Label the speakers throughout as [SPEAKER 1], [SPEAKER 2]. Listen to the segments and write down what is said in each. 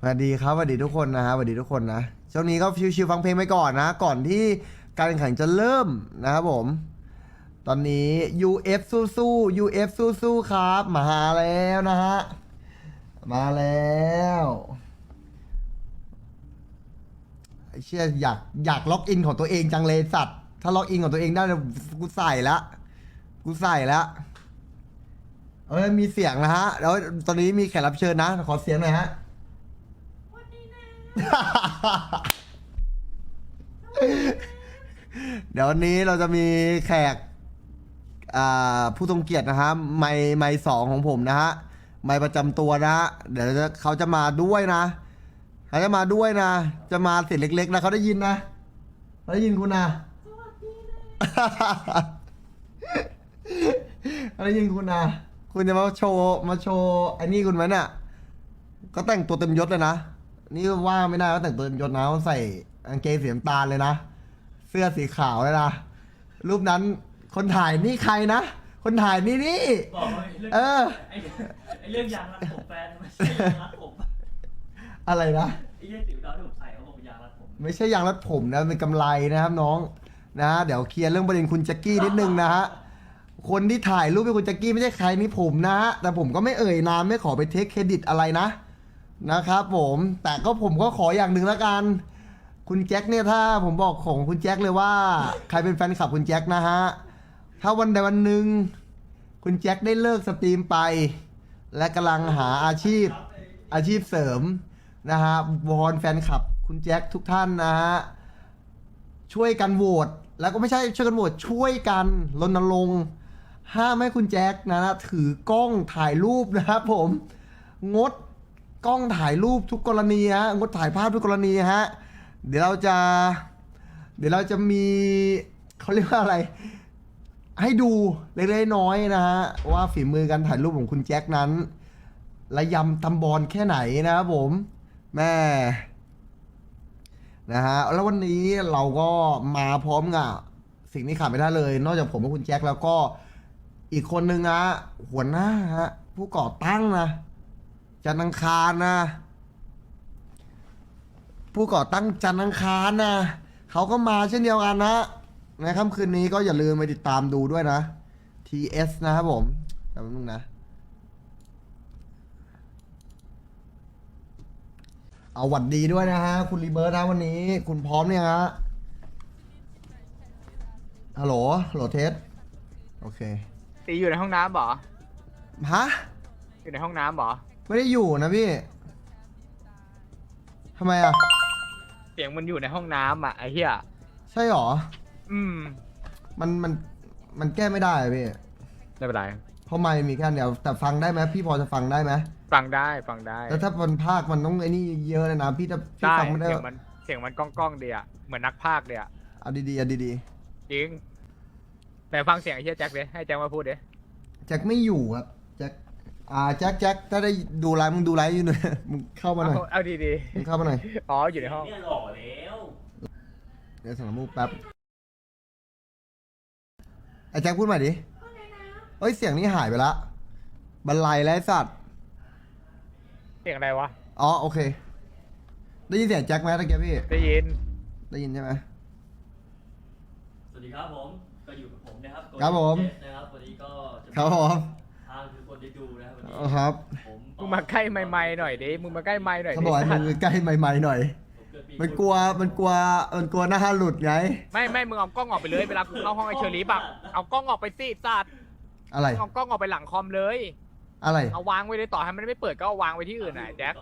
[SPEAKER 1] วัสดีครับสวัสดีทุกคนนะฮะสวัสดีทุกคนนะช่วงนี้ก็ชิวๆฟังเพลงไปก่อนนะก่อนที่การแข่งขันจะเริ่มนะครับผมตอนนี้ UF สู้ๆ UF สู้ๆครับมาแล้วนะฮะมาแล้วไอ้เชี่ยอยากล็อกอินของตัวเองจังเลยสัตว์ถ้าล็อกอินของตัวเองได้เนี่ยกูใส่ละกูใส่ละมีเสียงนะฮะแล้วตอนนี้มีแขกรับเชิญนะขอเสียงหน่อยฮะ เดี๋ยววันนี้เราจะมีแขกผู้ทรงเกียรตินะฮะไมค์สองของผมนะฮะไมค์ประจำตัวนะฮะเดี๋ยวเขาจะมาด้วยนะเขาจะมาด้วยนะจะมาเสียงเล็กๆนะเขาได้ยินนะเขาได้ยินคุณนะเขาได้ยินคุณนะคุณจะมาโชว์ไอ้นี่คุณไหมเนี่ยก็แต่งตัวเต็มยศเลยนะนี่ว่าไม่ได้ก็แต่งตัวเต็มยศนะเขาใส่กางเกงสีน้ำตาลเลยนะเสื้อสีขาวเลยนะรูปนั้นคนถ่ายนี่ใครนะคนถ่ายนี่
[SPEAKER 2] บอกว่าไอ้เรื่องยางรัดผมแฟนไม่ใช่ยางรัดผม
[SPEAKER 1] อะไรนะ
[SPEAKER 2] ไอ้เรื่องติ๋วดาวที่ผมใส่เขาบอกเป็นยางรัดผม
[SPEAKER 1] ไม่ใช่ยางรัดผมนะเป็นกำไรนะครับน้องนะเดี๋ยวเคลียร์เรื่องประเด็นคุณแจ็คกี้นิดนึงนะฮะคนที่ถ่ายรูปเป็นคุณแจ็คกี้ไม่ใช่ใครนี่ผมนะฮะแต่ผมก็ไม่เอ่ยนามไม่ขอไปเทคเครดิตอะไรนะครับผมแต่ก็ผมก็ขออย่างหนึ่งละกันคุณแจ็คเนี่ยถ้าผมบอกของคุณแจ็คเลยว่าใครเป็นแฟนคลับคุณแจ็คนะฮะถ้าวันใดวันหนึ่งคุณแจ็คได้เลิกสตรีมไป และกำลังหาอาชีพเสริมนะฮะวอนแฟนคลับคุณแจ็คทุกท่านนะฮะช่วยกันโหวตแล้วก็ไม่ใช่ช่วยกันโหวตช่วยกันรณรงค์ห้ามให้คุณแจ็คนะถือกล้องถ่ายรูปนะครับผมงดกล้องถ่ายรูปทุกกรณีฮะงดถ่ายภาพทุกกรณีฮะเดี๋ยวเราจะมีเขาเรียกว่าอะไรให้ดูเล็กๆน้อยๆนะฮะว่าฝีมือการถ่ายรูปของคุณแจ็คนั้นระยำตำบอลแค่ไหนนะครับผมแม่นะฮะแล้ววันนี้เราก็มาพร้อมกับสิ่งที่ขาดไม่ได้เลย นอกจากผมกับคุณแจ็คแล้วก็อีกคนนึงนะหัวหน้าฮะผู้ก่อตั้งนะจันทร์อังคารนะผู้ก่อตั้งจันทร์อังคารนะเขาก็มาเช่นเดียวกันนะในค่ำคืนนี้ก็อย่าลืมไปติดตามดูด้วยนะ TS นะครับผมแต่แป๊บนึงนะเอาหวัดดีด้วยนะฮะคุณรีเบิร์ตนะวันนี้คุณพร้อมเนี่ยฮะฮัลโหลเทสโอเค
[SPEAKER 3] ตีอยู่ในห้องน้ำเหรอ
[SPEAKER 1] ฮะ
[SPEAKER 3] อยู่ในห้องน้ำเหรอ
[SPEAKER 1] ไม่ได้อยู่นะพี่ทำไมอ่ะ
[SPEAKER 3] เสียงมันอยู่ในห้องน้ำอ่ะไอ้เหี้ย
[SPEAKER 1] ใช่หรอ
[SPEAKER 3] มัน
[SPEAKER 1] แก้ไม่ได้อะพี่
[SPEAKER 3] ไม่เป็นไร
[SPEAKER 1] เพราะไม่มีแค่เดียวแต่ฟังได้ไหมพี่พอจะฟังได้ไหม
[SPEAKER 3] ฟังได้
[SPEAKER 1] แล้วถ้ามันภาคมันต้องไอ้นี่เยอะเลยนะพี่จะฟังไม่ได้
[SPEAKER 3] เสียงมันก้องเดียเหมือนนักภาคเดีย
[SPEAKER 1] เอาดี
[SPEAKER 3] จริงแต่ฟังเสียงไอ้เหี้ยแจ็คดิให้แจ็คมาพูดดิ
[SPEAKER 1] แจ็คไม่อยู่ครับแจ็คถ้าได้ดูไลฟ์มึงดูไลฟ์อยู่หน่อยมึงเข้ามาหน่อย
[SPEAKER 3] เอาดี
[SPEAKER 1] มึงเข้ามาหน่อย
[SPEAKER 3] อ๋ออยู่ในห้อง
[SPEAKER 2] เนี่ยหล่อแล้ว
[SPEAKER 1] เดี๋ยวสั่งน้ำมูกแป๊บไอ้แจ็คพูดใหม่ดิเฮ้ยเสียงนี้หายไปละบรรลัยแล้วสัตว์
[SPEAKER 3] เสียงอะไรวะ
[SPEAKER 1] อ๋อโอเคได้ยินเสียงแจ็คไหมตะเกียบพี่
[SPEAKER 3] ได้ยิน
[SPEAKER 1] ใช่ไหม
[SPEAKER 2] สวัสดีครับผมก็อยู่กับผมนะครับ
[SPEAKER 1] ครับผม
[SPEAKER 2] นะครับวันนี้ก็
[SPEAKER 1] ครับผม
[SPEAKER 2] ทางคือคนที่ดูนะครับวันนี้
[SPEAKER 1] ครับ
[SPEAKER 3] มึงมาใกล้ไมค์หน่อยดิมึงมาใกล้ไมค์หน่อย
[SPEAKER 1] เขาบอกมึงใกล้ไมค์หน่อยมันกลัวหน้าหลุดไง
[SPEAKER 3] ไม่มึงเอากล้องออกไปเลยเวลากูเข้าห้องไอเชอรี่แบบเอากล้องออกไปสิสัตว์
[SPEAKER 1] อะไร
[SPEAKER 3] เอากล้องออกไปหลังคอมเลย
[SPEAKER 1] อะไร
[SPEAKER 3] เอาวางไว้เลยต่อให้มันไม่เปิดก็เอาวางไว้ที่อื่นนะแจ็ค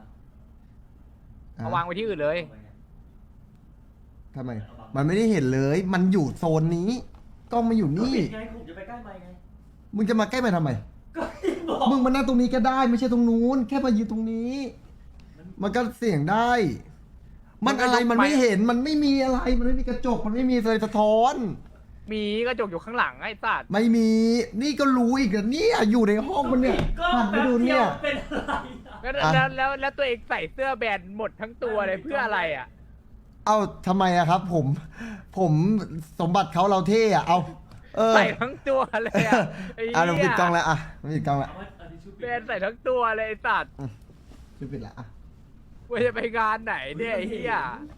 [SPEAKER 3] เอาวางไว้ที่อื่นเลย
[SPEAKER 1] ทำไมมันไม่ได้เห็นเลยมันอยู่โซนนี้กล้องมาอยู่นี่
[SPEAKER 2] ไงผมจะไปใกล้ไมค์ไง
[SPEAKER 1] มึงจะมาใกล้ไปทำไมมึงมานั่งตรงนี้ก็ได้ไม่ใช่ตรงนู้นแค่มายืนตรงนี้มันก็เสียงได้มันอะไรมันไม่เห็นมันไม่มีอะไรมันไม่มีกระจกมันไม่มีอะไรสะท้อน
[SPEAKER 3] มีกระจกอยู่ข้างหลังไอ้สัตว์
[SPEAKER 1] ไม่มีนี่ก็รู้อีกอ่ะเนี่ยอยู่ในห้องมันเนี่ยหันไปดูเนี่ย
[SPEAKER 2] เป็น
[SPEAKER 3] อะไรแล้วตัวเองใส่เสื้อแบนหมดทั้งตัวเลยเพื่ออะไรอ่ะ
[SPEAKER 1] เอ้าทำไมอะครับผมสมบัติเขาเราเท่อะเอา
[SPEAKER 3] ใส่ทั้งตัวเลยอ่ะ
[SPEAKER 1] เราปิดกล้องแล้วอ่ะปิดกล้องแล้ว
[SPEAKER 3] แบนใส่ทั้งตัวเลยไอ้สัตว์
[SPEAKER 1] ปิดละอ่ะ
[SPEAKER 3] ว่าจะไปงานไหนเนี่ยไอ้เหี้ย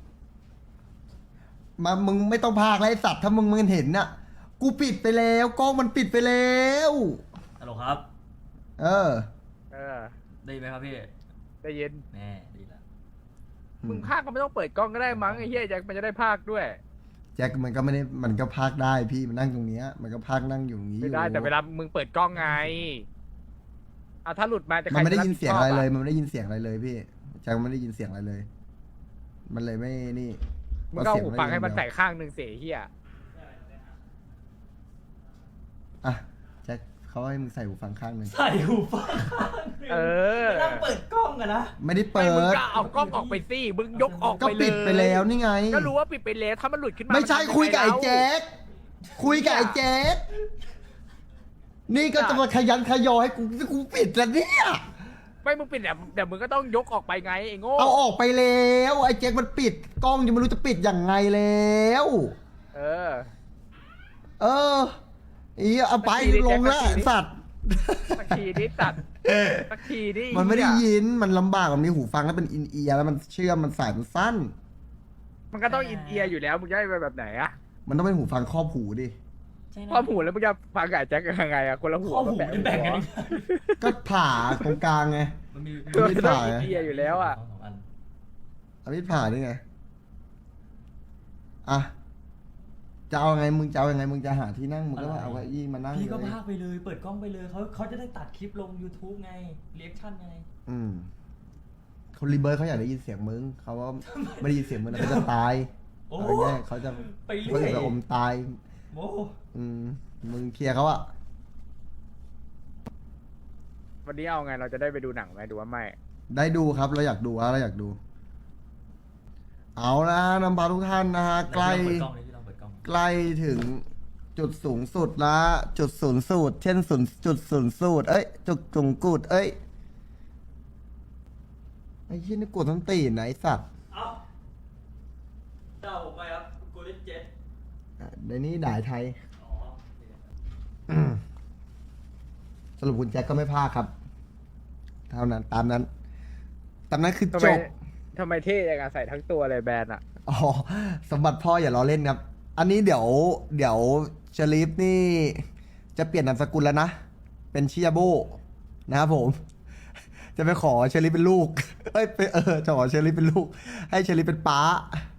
[SPEAKER 1] มามึงไม่ต้องพากแล้วไอ้สัตว์ถ้ามึงเห็นน่ะ กูปิดไปแล้วกล้องมันปิดไปแล้ว
[SPEAKER 2] ฮัลโหลครับ
[SPEAKER 1] เออ
[SPEAKER 3] เออ
[SPEAKER 2] ได้ยินไหมครับพี่
[SPEAKER 3] ได้ยิน
[SPEAKER 2] แน่ดีแล้ว
[SPEAKER 3] มึงพากก็ไม่ต้องเปิดกล้องก็ได้มั้งไอ้เหี้ยแจ็คมันจะได้พากด้วย
[SPEAKER 1] แจ็คมันก็ไม่ได้มันก็พากได้พี่มันนั่งตรงเนี้ยมันก็พากนั่งอยู่ตรงนี้อ
[SPEAKER 3] ไม่
[SPEAKER 1] ยู่
[SPEAKER 3] ได้แต่เวลามึงเปิดกล้องไงอ่ะถ้าหลุดมาจะใค
[SPEAKER 1] มันไม่ได้
[SPEAKER 3] จะ
[SPEAKER 1] ยินเสียงอะไรเลย
[SPEAKER 3] ผิดชบ
[SPEAKER 1] มันไม่ได้ยินเสียงอะไรเลยพี่แจ็คมันไม่ได้ยินเสียงอะไรเลย มันเลยไม่นี่
[SPEAKER 3] มึงก็เอาหูฟัง
[SPEAKER 1] เพราะเสีย
[SPEAKER 3] ให้มัน
[SPEAKER 1] เดียว
[SPEAKER 3] ใส่ข้างหนึ่งเสียเหี้ย
[SPEAKER 1] อ่ะแจ็คเขาให้มึงใส่หูฟังข้างหนึ่ง
[SPEAKER 2] ใส่หูฟัง
[SPEAKER 3] เออ
[SPEAKER 2] ไม่ต้องเปิดกล้องอะนะ
[SPEAKER 1] ไม่ได้
[SPEAKER 3] ไม่
[SPEAKER 1] เปิ
[SPEAKER 3] มึง
[SPEAKER 1] ด
[SPEAKER 3] ก็เอากล้องออกไปสิมึงยกออก
[SPEAKER 1] ก็
[SPEAKER 3] ไปเลย
[SPEAKER 1] ปิดไปแล้วนี่ไง
[SPEAKER 3] ก็รู้ว่าปิดไปแล้วถ้ามันหลุดขึ้นมา
[SPEAKER 1] ไม่ใช่
[SPEAKER 3] นทำงง
[SPEAKER 1] คุยกับไอ้
[SPEAKER 3] แล้ว
[SPEAKER 1] แจ็คคุยกับไอ้แจ็คนี่ก็จะมาขยันขยอให้กูปิดแล้วเนี่ย
[SPEAKER 3] ไม่มึงปิดแต่มึงก็ต้องยกออกไปไงไอ้โง่
[SPEAKER 1] เอาออกไปแล้วไอ้แจ็คมันปิดกล้องยังไม่รู้จะปิดยังไงแล้ว
[SPEAKER 3] เออ
[SPEAKER 1] เอออีเอาไป
[SPEAKER 3] สักทีดิ
[SPEAKER 1] ลงแล้ว
[SPEAKER 3] แจ็คสักทีดิ
[SPEAKER 1] สัตว์
[SPEAKER 3] สักทีนี้ตัดสักทีนี่
[SPEAKER 1] มันไม่ได้ยินมันลำบากมันมีหูฟังแล้วเป็นอินเอียร์แล้วมันเชื่อมมันสายมันสั้น
[SPEAKER 3] มันก็ต้องอินเอียร์อยู่แล้วมึงจะให้ไปแบบไหนอะ
[SPEAKER 1] มันต้องเป็นหูฟังครอบหูดิ
[SPEAKER 2] ใช่
[SPEAKER 3] พอหูแล้วมึงจะฟังกับไอ้แจ็คยังไงอะคนละหู
[SPEAKER 2] ข้อหูจะแบ่งกันยังไง
[SPEAKER 1] ก็ผ่าตรงกลางไง
[SPEAKER 2] มันมี
[SPEAKER 3] คือ
[SPEAKER 1] ไม่
[SPEAKER 3] มัน
[SPEAKER 1] ได้
[SPEAKER 3] ต้องอินเอียร์อยู่แล้วอะ
[SPEAKER 2] สองอัน
[SPEAKER 1] เอามีดผ่าด้วยไงอ่ะจะเอาไงมึงจะเอายังไงมึงจะหาที่นั่งมึงก็เอาเก้าอี้มานั่ง
[SPEAKER 2] พี่ก็
[SPEAKER 1] เลย
[SPEAKER 2] พากไปเลย เปิดกล้องไปเลยเขาจะได้ตัดคลิปลง YouTube ไงเรีแอคชั่นไง
[SPEAKER 1] คนรีเบิร์ดเขาอยากได้ยินเสียงมึงเขาว่าไม่ได้ยินเสียงมึงแล้วเขาจะตาย
[SPEAKER 2] โอ้
[SPEAKER 1] อะไรเงี้ยเขาจะ
[SPEAKER 2] ไปเรื่
[SPEAKER 1] เขา
[SPEAKER 2] อย
[SPEAKER 1] จะอมตาย
[SPEAKER 2] โอ้
[SPEAKER 1] มึงเคลียร์เขาอะ
[SPEAKER 3] วันนี้เอาไงเราจะได้ไปดูหนังไหมดูว่าไม่
[SPEAKER 1] ได้ดูครับเราอยากดูเราอยากดู เอาละนำพาทุกท่านนะฮะใกล้
[SPEAKER 2] เปิดกล้องเลยพี่ลองเปิดกล้อง
[SPEAKER 1] ใกล้ถึงจุดสูงสุดละจุดศูนย์สูตรเช่นจุดศูนย์สูตรเอ้ยจุดสูงกูดเอ้ยไอ้ที่นี่กดทั้งตีนนะไอ้สัตว์
[SPEAKER 2] เอ้าเจ้าผมไปครับกูลิเจ็ต
[SPEAKER 1] ในนี้ด่ายไทย
[SPEAKER 2] อ๋อ
[SPEAKER 1] สรุปคุณแจ็คก็ไม่พลาดครับ เท่านั้นตามนั้นคือ
[SPEAKER 3] ทำ
[SPEAKER 1] จ
[SPEAKER 3] ไม
[SPEAKER 1] บ
[SPEAKER 3] ทำไมเท่ยังไงใส่ทั้งตัวเลยแบรนด์อะ
[SPEAKER 1] อ๋อสมบัติพ่ออย่าล้อเล่นครับ อันนี้เดี๋ยวเชลีฟนี่ จะเปลี่ยนนามสกุลแล้วนะ เป็นชิยาโบนะครับผม จะไปขอเชลีฟเป็นลูก จะขอเชลีฟเป็นลูก ให้เชลีฟเป็นป้า